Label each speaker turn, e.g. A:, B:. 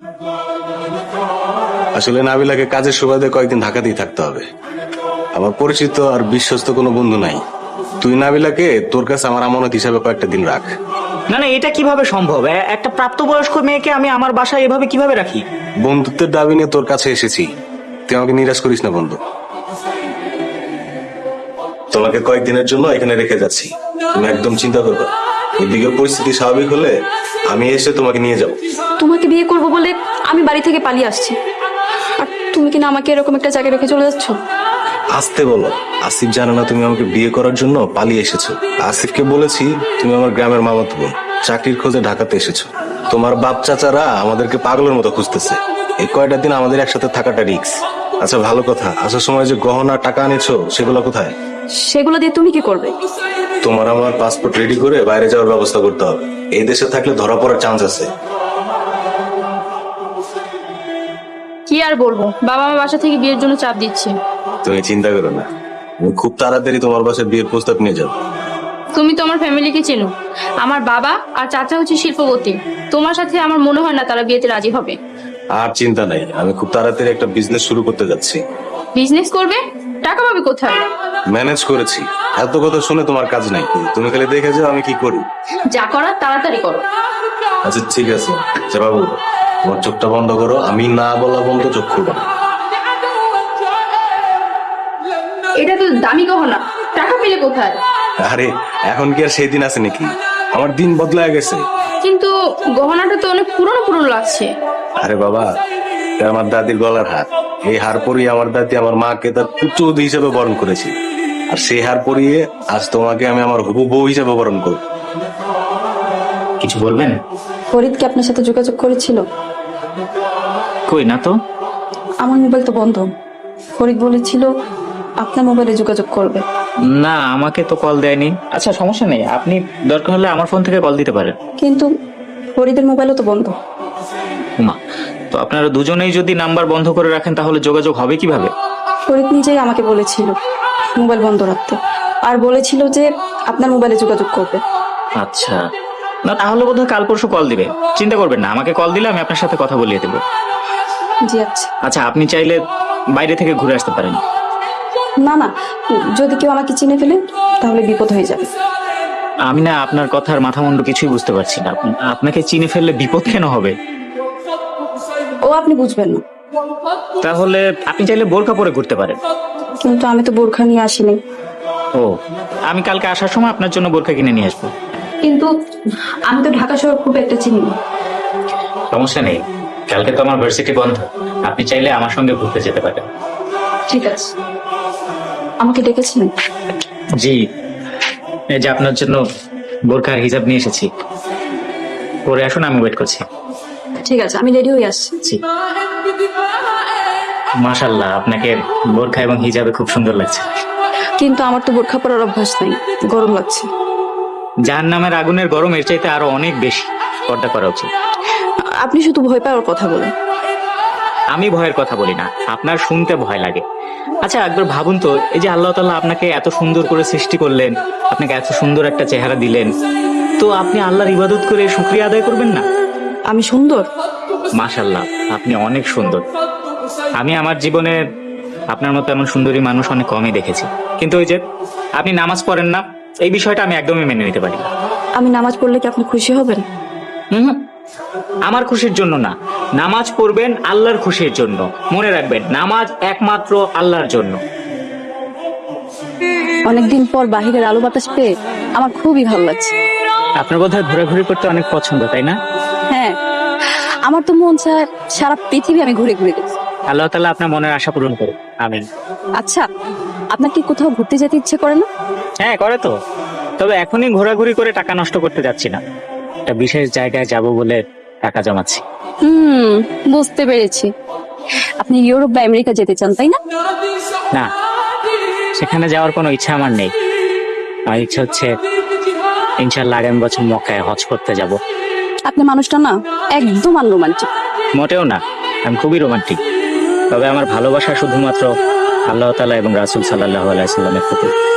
A: আসলে নাবিলাকে কাজের সুবাদে কয়েকদিন ঢাকাতেই থাকতে হবে। আমার পরিচিত আর বিশ্বস্ত কোনো বন্ধু নাই। তুই নাবিলাকে তোর কাছে আমার আমানত হিসাবে কয়েকটা দিন রাখ।
B: না না, এটা কিভাবে সম্ভব? একটা প্রাপ্তবয়স্ক মেয়েকে আমি আমার বাসায় এভাবে কিভাবে রাখি?
A: বন্ধুত্বের দাবি নিয়ে তোর কাছে এসেছি, তুই আমাকে নিরাশ করিস না বন্ধু। তোমাকে কয়েকদিনের জন্য এখানে রেখে যাচ্ছি, তুমি একদম চিন্তা করবে। এদিকে পরিস্থিতি স্বাভাবিক হলে আমি এসে তোমাকে নিয়ে যাব।
C: তোমাকে বিয়ে করব বলে আমি বাড়ি থেকে পালিয়ে আসছি, আর তুমি কিনা আমাকে এরকম একটা জায়গায় রেখে চলে যাচ্ছ?
A: আসতে বলো, আসিফ জানে না তুমি আমাকে বিয়ে করার জন্য পালিয়ে এসেছো। আসিফকে বলেছি তুমি আমার গ্রামের মামাতো বোন, চাকরির খোঁজে ঢাকাতে এসেছো। তোমার বাপ চাচারা আমাদেরকে পাগলের মতো খুঁজতেছে। এই কয়টা দিন আমাদের একসাথে থাকাটা রিস্ক। আচ্ছা ভালো কথা, আসার সময় যে গহনা টাকা আনেছো সেগুলো কোথায়?
C: সেগুলো দিয়ে তুমি কি করবে?
A: তোমার আমার পাসপোর্ট রেডি করে বাইরে যাওয়ার ব্যবস্থা করতে হবে। এই দেশে থাকলে ধরা পড়ার চান্স আছে।
D: কি আর বলবো, বাবা মা বাসা থেকে বিয়ের জন্য চাপ দিচ্ছে।
A: তুমি চিন্তা করো না, আমি খুব তাড়াতাড়ি তোমার বাসায় বিয়ের প্রস্তাব নিয়ে যাবো।
D: তুমি তো আমার ফ্যামিলিকে চেনো, আমার বাবা আর চাচা হচ্ছে শিল্পপতি। তোমার সাথে আমার মনে হয় না তারা বিয়েতে রাজি হবে।
A: আর চিন্তা নাই, আমি খুব তাড়াতাড়ি একটা বিজনেস শুরু করতে যাচ্ছি।
D: বিজনেস করবে? টাকা পাবে কোথায়?
A: ম্যানেজ করেছি। এত কথা শুনে তোমার কাজ নাই, তুমি খালি দেখে যাও আমি কি করি।
D: যা করার তাড়াতাড়ি করো।
A: আচ্ছা ঠিক আছে, আচ্ছা বাবু তোমার চোখটা বন্ধ করো, আমি না বলা বন্ধ চোখ খুলবো না।
D: এটা তো দামি গহনা, টাকা পেলে কোথায়?
A: আরে এখন কি আর সেই দিন আছে নাকি? আমার দিন বদলায় গেছে।
D: কিন্তু গহনাটা তো অনেক পুরনো পুরনো লাগছে।
A: আরে বাবা, এটা আমার দাদির গলার হার। এই হার পরিয়ে আমার দাদি আমার মাকে তার পুত্রবধূ হিসেবে বরণ করেছি, আর সেই হার পরিয়ে আজ তোমাকে আমি আমার হবু বউ হিসেবে বরণ করব।
B: কিছু বলবেন?
C: ফরিদ কি আপনার সাথে যোগাযোগ করেছিল?
B: কই না তো।
C: আমার মোবাইল তো বন্ধ। ফরিদ বলেছিল আপনার মোবাইলে যোগাযোগ করবে।
B: না, আমাকে তো কল দেয়নি। আচ্ছা সমস্যা নেই, আপনি দরকার হলে আমার ফোন থেকে কল দিতে পারেন।
C: কিন্তু ফরিদের মোবাইলও তো বন্ধ।
B: মা, তো আপনারা দুজনেই যদি নাম্বার বন্ধ করে রাখেন তাহলে যোগাযোগ হবে কিভাবে?
C: ফরিদ নিজেই আমাকে বলেছিল মোবাইল বন্ধ রাখতে, আর বলেছিল যে আপনার মোবাইলে যোগাযোগ করবে।
B: আচ্ছা, না তাহলে বোধহয় কাল পরশু কল দিবে। চিন্তা করবেন না, আমাকে কল দিলে আমি আপনার সাথে কথা বলিয়ে দেবো।
C: জি আচ্ছা।
B: আচ্ছা, আপনি চাইলে বাইরে থেকে ঘুরে আসতে পারেন।
C: না না, যদি কেউ আমাকে চিনে ফেলে তাহলে বিপদ হয়ে যাবে।
B: আমি না আপনার কথার মাথা মুন্ডু কিছুই বুঝতে পারছি না। আপনাকে চিনে ফেললে বিপদ কেন হবে?
C: ও আপনি বুঝবেন না।
B: তাহলে আপনি চাইলে বোরকা পরে ঘুরতে পারেন।
C: কিন্তু আমি তো বোরখা নিয়ে আসিনি।
B: ও, আমি কালকে আসার সময় আপনার জন্য বোরকা কিনে নিয়ে আসবো।
C: কিন্তু আমি তো ঢাকা শহর খুব একটা চিনি না।
B: সমস্যা নেই, কালকে তো আমার ভার্সিটি বন্ধ, আপনি চাইলে আমার সঙ্গে ঘুরতে যেতে পারেন।
C: ঠিক আছে। আমাকে ডেকেছিলেন?
B: জি, এই যে আপনার জন্য বোরকার হিজাব নিয়ে এসেছি, পরে আসুন, আমি ওয়েট করছি।
C: ঠিক আছে, আমি রেডি হয়ে আসছি।
B: জি। মাশাআল্লাহ, আপনাকে বোরকা এবং হিজাবে খুব সুন্দর লাগছে।
C: কিন্তু আমার তো বোরখা পরার অভ্যাস নাই, গরম লাগছে।
B: জাহান্নামের আগুনের গরম এর চাইতে আরো অনেক বেশি, পর্দা করা উচিত।
C: আপনি শুধু ভয় পাওয়ার কথা বলেন।
B: আমি ভয়ের কথা বলি না, আপনার শুনতে ভয় লাগে। আচ্ছা একবার ভাবুন তো, এই যে আল্লাহ তাআলা আপনাকে এত সুন্দর করে সৃষ্টি করলেন, আপনাকে এত সুন্দর একটা চেহারা দিলেন, তো আপনি আল্লাহর ইবাদত করে শুকরিয়া আদায় করবেন না?
C: আমি সুন্দর?
B: মাশাআল্লাহ, আপনি অনেক সুন্দর। আমি আমার জীবনে আপনার মতো এমন সুন্দরী মানুষ অনেক কমই দেখেছি। কিন্তু ওই যে আপনি নামাজ পড়েন না, এই বিষয়টা আমি একদমই মেনে নিতে পারি না।
C: আমি নামাজ পড়লে কি আপনি খুশি হবেন?
B: হুম, আমার খুশির জন্য না, নামাজ পড়বেন আল্লাহর খুশির জন্য। মনে রাখবেন, নামাজ একমাত্র আল্লাহর জন্য।
C: অনেকদিন পর বাহিরের আলো বাতাস পেয়ে আমার খুবই ভালো লাগছে।
B: আপনার বোধহয় ঘোরাঘুরি করতে অনেক পছন্দ, তাই না?
C: হ্যাঁ, আমার তো মন চায় সারা পৃথিবী আমি ঘুরে ঘুরে দেখি।
B: আল্লাহ তাআলা আপনার মনের আশা পূরণ করুন, আমিন।
C: আচ্ছা, আপনার কি কোথাও ঘুরতে যেতে ইচ্ছে করে না?
B: হ্যাঁ করে তো, তবে এখনই ঘোরাঘুরি করে টাকা নষ্ট করতে যাচ্ছি না। একটা বিশেষ জায়গায় যাব বলে টাকা জমাচ্ছি।
C: বুঝতে পেরেছি। আপনি ইউরোপ বা আমেরিকা যেতে চান, তাই না?
B: না, সেখানে যাওয়ার কোনো ইচ্ছা আমার নেই। আমার ইচ্ছা হচ্ছে ইনশাআল্লাহ আগামী বছর মক্কায় হজ করতে যাব।
C: আপনি মানুষটা না একদম আনরোমান্টিক।
B: মোটেও না, আমি খুবই রোমান্টিক। তবে আমার ভালোবাসা শুধুমাত্র আল্লাহ তাআলা এবং রাসূল সাল্লাল্লাহু আলাইহি ওয়াসাল্লামের প্রতি।